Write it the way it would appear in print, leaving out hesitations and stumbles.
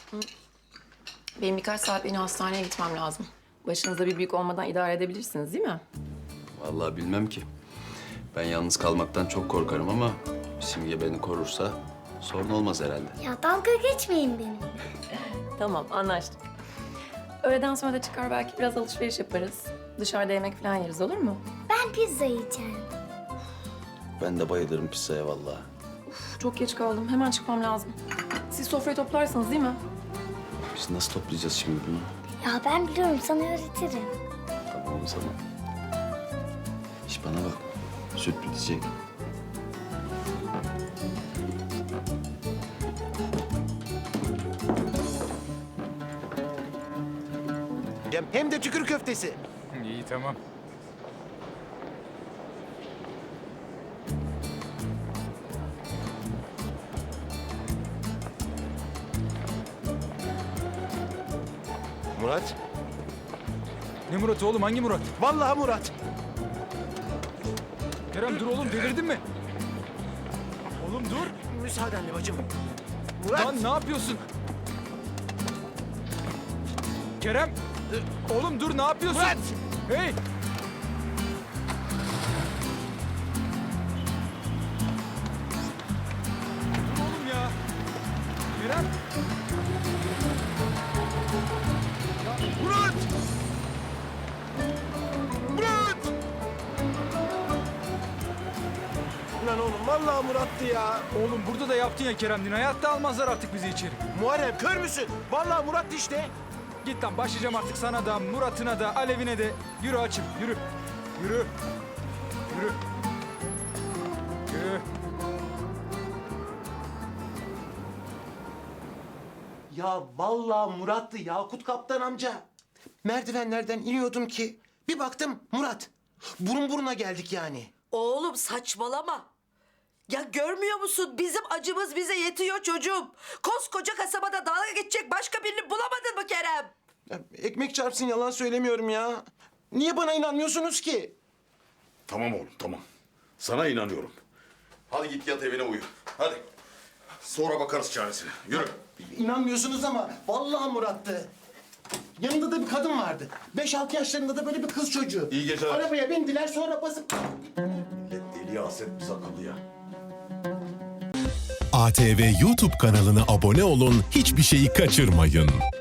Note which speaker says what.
Speaker 1: Benim birkaç saatliğine hastaneye gitmem lazım. Başınızda bir büyük olmadan idare edebilirsiniz değil mi?
Speaker 2: Vallahi bilmem ki. Ben yalnız kalmaktan çok korkarım ama Simge beni korursa sorun olmaz herhalde.
Speaker 3: Ya dalga geçmeyin benimle.
Speaker 1: Tamam, anlaştık. Öğleden sonra da çıkar belki biraz alışveriş yaparız. Dışarıda yemek falan yeriz, olur mu?
Speaker 3: Ben pizza yiyeceğim.
Speaker 2: Ben de bayılırım pizzaya vallahi.
Speaker 1: Uf, çok geç kaldım. Hemen çıkmam lazım. Siz sofrayı toplarsınız değil mi?
Speaker 2: Biz nasıl toplayacağız şimdi bunu?
Speaker 3: Ya ben biliyorum, sana öğretirim.
Speaker 2: Tamam o zaman. İş bana bak. Süt bitecek.
Speaker 4: Hem de tükür köftesi.
Speaker 5: İyi tamam.
Speaker 4: Murat.
Speaker 5: Ne Murat oğlum, hangi Murat?
Speaker 4: Vallahi Murat.
Speaker 5: Kerem dur oğlum, delirdin mi? Oğlum dur.
Speaker 4: Müsaadenle bacım. Murat.
Speaker 5: Lan ne yapıyorsun? Kerem. Oğlum dur, ne yapıyorsun?
Speaker 4: Murat.
Speaker 5: Hey. Dur oğlum ya. Kerem.
Speaker 4: Murat. Murat. Lan oğlum vallahi Murat'tı ya.
Speaker 5: Oğlum burada da yaptın ya Kerem. Hayatta almazlar artık bizi içeri.
Speaker 4: Muharrem kör müsün? Vallahi Murat işte.
Speaker 5: Git lan, başlayacağım artık sana da, Murat'ına da, Alev'ine de. Yürü açım, yürü. Yürü. Yürü. Yürü.
Speaker 4: Ya vallahi Murat'tı Yakut Kaptan amca. Merdivenlerden iniyordum ki bir baktım Murat. Burun buruna geldik yani.
Speaker 6: Oğlum saçmalama. Ya görmüyor musun? Bizim acımız bize yetiyor çocuğum. Koskoca kasabada dalga geçecek başka birini bulamadın mı Kerem?
Speaker 4: Ya, ekmek çarpsın yalan söylemiyorum ya. Niye bana inanmıyorsunuz ki?
Speaker 7: Tamam oğlum, tamam. Sana inanıyorum. Hadi git yat evine uyu. Hadi. Sonra bakarız çaresine. Yürü.
Speaker 4: İnanmıyorsunuz ama vallahi Murat'tı. Yanında da bir kadın vardı. 5-6 yaşlarında da böyle bir kız çocuğu.
Speaker 7: İyi geceler.
Speaker 4: Arabaya bindiler sonra basıp...
Speaker 7: Millet deliye haset biz akıllıya.
Speaker 8: ATV YouTube kanalına abone olun, hiçbir şeyi kaçırmayın.